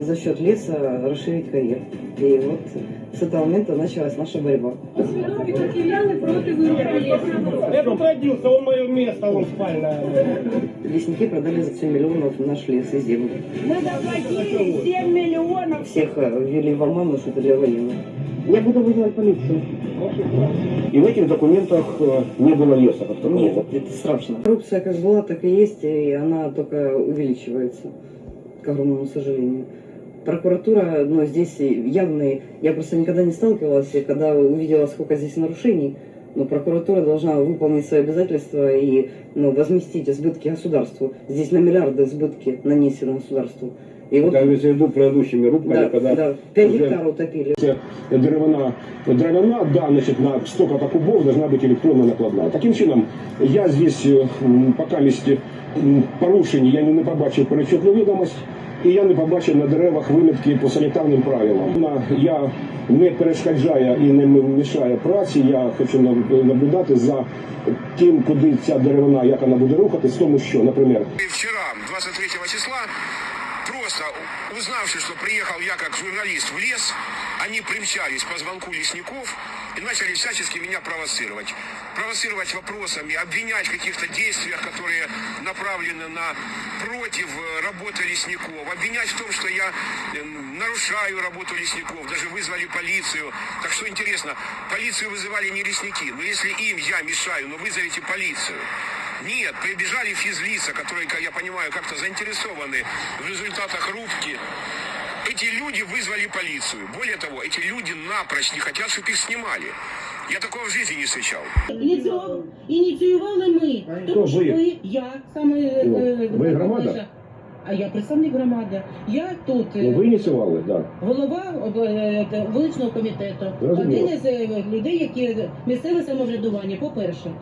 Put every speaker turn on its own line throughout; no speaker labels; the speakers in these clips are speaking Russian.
За счет леса расширить карьер. И вот с этого момента началась наша борьба.
Я тут родился, он мое место, он спальное.
Лесники продали за 7 миллионов наш лес и землю.
Мы заплатили 7 миллионов.
Всех ввели в оману, что это для военных. Я буду вызывать полицию.
И в этих документах не было леса как такового.
Нет, это страшно. Коррупция как была, так и есть, и она только увеличивается, к огромному сожалению. Прокуратура, ну, здесь явные, я просто никогда не сталкивалась, и когда увидела, сколько здесь нарушений, но прокуратура должна выполнить свои обязательства и, ну, возместить сбытки государству. Здесь на миллиарды сбытки нанесены государству. И вот,
Я имею в виду предыдущими рубками,
да,
когда
да, 5 гектаров утопили.
дровяна, да, значит, на столько-то кубов должна быть электронно накладная. Таким чином, я здесь пока місті порушень, я не побачив перечетну відомость, і я не побачив на деревах вимітки по санітарним правилам. Я не перешкоджаю і не мішаю праці, я хочу наблюдати за тим, куди ця деревина, як вона буде рухатись, тому що, наприклад...
Вчера, 23 числа, просто узнавши, что приехал я как журналист в лес, они примчались по звонку лесников и начали всячески меня провоцировать. Провоцировать вопросами, обвинять в каких-то действиях, которые направлены против работы лесников, обвинять в том, что я нарушаю работу лесников, даже вызвали полицию. Так что интересно, полицию вызывали не лесники, но если им я мешаю, но вызовите полицию. Нет, прибежали физлица, которые, я понимаю, как-то заинтересованы в результатах рубки. Эти люди вызвали полицию. Более того, эти люди напрочь не хотят, чтобы их снимали. Я такого в жизни не встречал.
Ініціювали ми. Тому що я саме...
Ви громада?
А я представник громади. Я тут
Ви ініціювали, так.
голова вуличного комітету.
Розуміло.
Один із людей, які місцеве самоврядування, по-перше.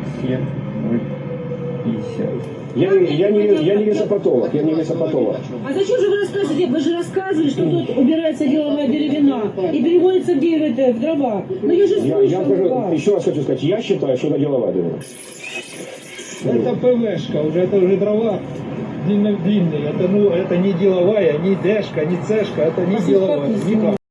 Я не лесопатолог,
А зачем же вы рассказываете? Вы же рассказывали, что тут убирается деловая деревина и переводится в дрова. Ну я же слышал вас.
Еще раз хочу сказать, я считаю, что это деловая деревина.
Это ПВшка, это уже дрова длинные. Это не деловая, не дэшка, не цешка, это не деловая. Никак.